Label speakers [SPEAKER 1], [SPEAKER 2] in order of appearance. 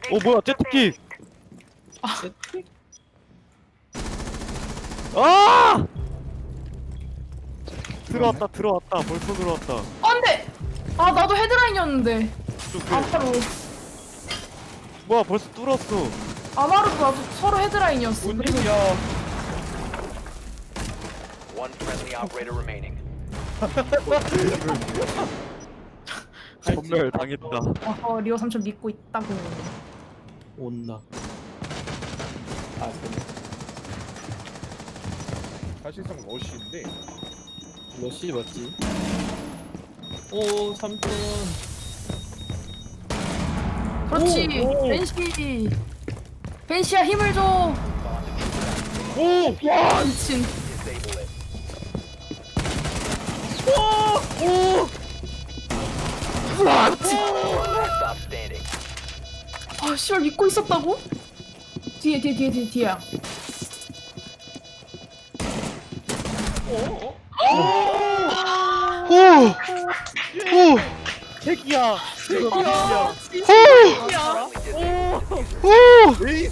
[SPEAKER 1] 뭐야 제트킥. 아! 들어왔다 벌써 들어왔다.
[SPEAKER 2] 안돼. 아 나도 헤드라인이었는데. 아마루.
[SPEAKER 1] 뭐야 벌써 뚫었어.
[SPEAKER 2] 아마루도 나도 서로 헤드라인이었어. 그래서
[SPEAKER 3] One friendly operator remaining.
[SPEAKER 1] 전멸 당했다.
[SPEAKER 2] 리오 삼촌 믿고 있다고.
[SPEAKER 4] 온다. 아 그래.
[SPEAKER 5] 사실상 러쉬인데
[SPEAKER 4] 러시 맞지? 오 삼촌.
[SPEAKER 2] 그렇지. 벤시. 벤시야 힘을 줘. 와 미친.
[SPEAKER 3] Disable it.
[SPEAKER 2] 와 미친.
[SPEAKER 3] Stop standing.
[SPEAKER 2] 아 씨발 믿고 있었다고? 뒤에야.
[SPEAKER 1] 핵이야.
[SPEAKER 2] 아, 진짜.
[SPEAKER 3] Friendly disable.
[SPEAKER 1] 에이스.